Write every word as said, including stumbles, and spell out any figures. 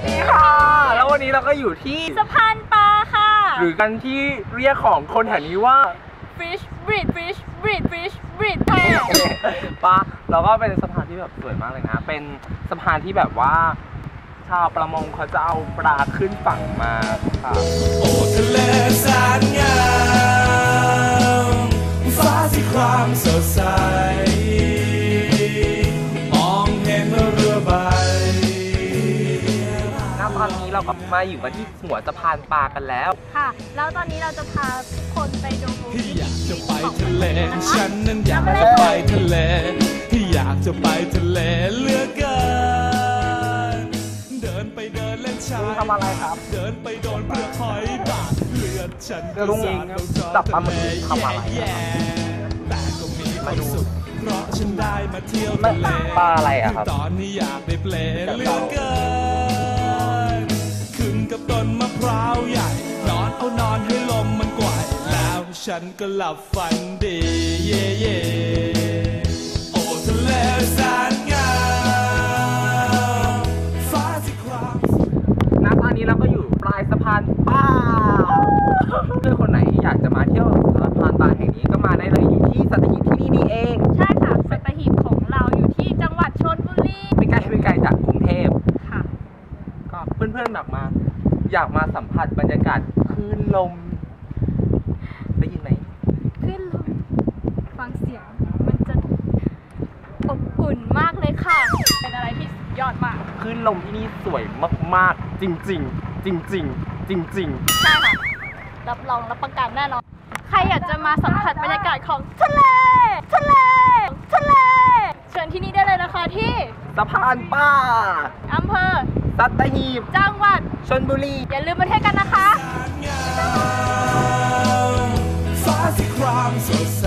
ดีค่ะแล้ววันนี้เราก็อยู่ที่สะพานปลาค่ะหรือกันที่เรียกของคนแถวนี้ว่า fish bridge fish bridge fish bridge ปะเราก็เป็นสะพานที่แบบสวยมากเลยนะเป็นสะพานที่แบบว่าชาวประมงเขาจะเอาปลาขึ้นฝั่งมาค่ะโอ้ทะเลแสนงามฟ้าสีครามสดใสมองเห็นเรือใบณตอนนี้เราก็มาอยู่กันที่หัวสะพานปลากันแล้วค่ะแล้วตอนนี้เราจะพาทุกคนไปดูที่อยากจะไปทะเลฉันนั้นอยากจะไปทะเลที่อยากจะไปทะเลเหลือเกินเดินไปเดินเล่นชายทำอะไรครับเดินไปโดนเปลือกหอยบาดเลือดฉันก็สาดลงจอจับปลาหมึกทำอะไรแต่ก็มีความสุขเพราะฉันได้มาเที่ยวทะเลปลาอะไรอะครับตอนนี้อยากได้เปลเหลือเกินขึ้นกับต้นมะพร้าวใหญ่นอนเอานอนให้ลมมันกวาดแล้วฉันก็หลับฝันดีเย่เย่โอ้ทะเลแสนงามฟ้าสีครามณตอนนี้เราก็อยู่ปลายสะพานปลาเพื่อนคนไหนอยากจะมาเที่ยวสะพานปลาแห่งนี้ก็มาได้เลยอยู่ที่สัตหีบที่นี่นี่เองใช่ค่ะสัตหีบของเราอยู่ที่จังหวัดชลบุรีไม่ไกลไม่ไกลจากกรุงเทพค่ะก็เพื่อนๆแบบมาอยากมาสัมผัสบรรยากาศคลื่นลมได้ยินไหมคลื่นลมฟังเสียงมันจะอบอุ่นมากเลยค่ะเป็นอะไรที่สุดยอดมากคลื่นลมที่นี่สวยมากๆจริงๆจริงๆจริงๆใช่ค่ะรับรองรับประกันแน่นอนใครอยากจะมาสัมผัสบรรยากาศของทะเลทะเลทะเลเชิญที่นี่ได้เลยนะคะที่สะพานปลาอำเภอสัตหีบจังหวัดชลบุรีอย่าลืมมาเที่ยวกันนะคะฟ้าสีครามสดใส